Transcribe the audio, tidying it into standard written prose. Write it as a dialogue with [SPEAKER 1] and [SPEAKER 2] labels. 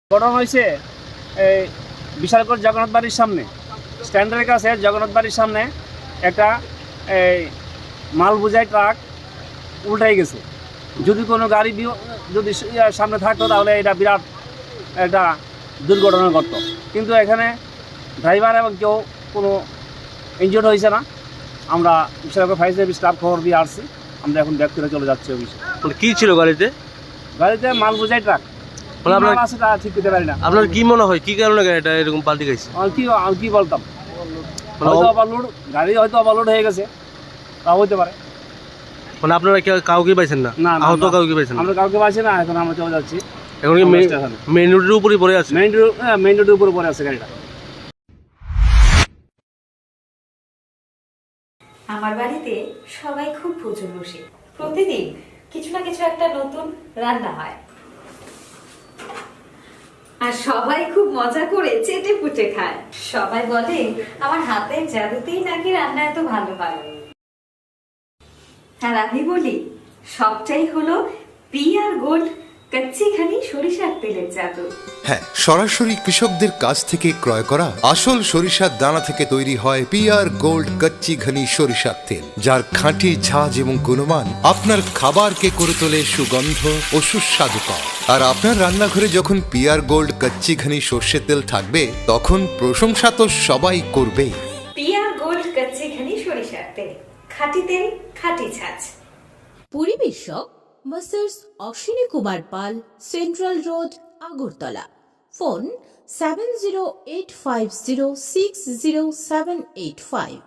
[SPEAKER 1] ঘটনা হয়েছে এই বিশালগড় জগন্নাথ বাড়ির সামনে স্ট্যান্ডের কাছে জগন্নাথ বাড়ির সামনে একটা এই মাল বোঝাই ট্রাক উল্টাই গেছে। যদি কোনো গাড়ি যদি সামনে থাকতো তাহলে এটা বিরাট একটা দুর্ঘটনা ঘটতো, কিন্তু এখানে ড্রাইভার এবং কেউ কোনো ইনজিওর্ড হয়েছে না। আমরা বিশালগড় ফায়ার সার্ভিস স্টাফ খবর দিয়ে আসছি, আমরা এখন ব্যাক করে চলে যাচ্ছি অফিসে।
[SPEAKER 2] মানে কি ছিল গাড়িতে?
[SPEAKER 1] গাড়িতে মাল বোঝাই ট্রাক আছে, তা ঠিক করতে পারি না।
[SPEAKER 2] আপনার কি মনে হয় কি কারণে গাড়িটা এরকম পাল্টে গেছে?
[SPEAKER 1] আমি কি বলতাম, হয়তো ওভারলোড, গাড়ি হয়তো ওভারলোড হয়ে গেছে, তা হইতে পারে।
[SPEAKER 2] মানে আপনারা কাউকে পাইছেন না?
[SPEAKER 1] না,
[SPEAKER 2] আহত কাউকে পাইছেন না?
[SPEAKER 1] আমরা কাউকে পাইছি না, এখন আমরা চলে যাচ্ছি।
[SPEAKER 2] এখন কি মেইন রোডের উপরই পড়ে আছে?
[SPEAKER 1] মেইন রোডের উপরে পড়ে আছে গাড়িটা।
[SPEAKER 3] আমার বাড়িতে সবাই খুব প্রচুর বসে, প্রতিদিন কিছু না কিছু একটা নতুন রান্না হয়, আর সবাই খুব মজা করে চেটে পুটে খায়। সবাই বলে আমার হাতের জাদুতেই নাকি রান্না এত ভালো হয়। আর আমি বলি সবটাই হলো পিআর গোল্ড কচ্চি ঘানি সরিষার তেলের জাদু।
[SPEAKER 4] হ্যাঁ, সরাসরি কৃষকদের কাছ থেকে ক্রয় করা আসল সরিষার দানা থেকে তৈরি হয় পিআর গোল্ড কচ্চি ঘনি সরিষার তেল, যার খাঁটি ঝাঁজ এবং গুণমান আপনার খাবারকে করে তোলে সুগন্ধ ও সুস্বাদুকর। আর আপনার রান্নাঘরে যখন পিআর গোল্ড কচ্চি ঘনি সর্ষের তেল থাকবে, তখন প্রশংসা তো সবাই করবে।
[SPEAKER 3] পিআর গোল্ড কচ্চি ঘানি সরিষার তেল, খাঁটি তেল, খাঁটি ঝাঁজ।
[SPEAKER 5] পরিবেশক masters Ashwini Kumar Pal, central road, Agartala. Phone 7085060785।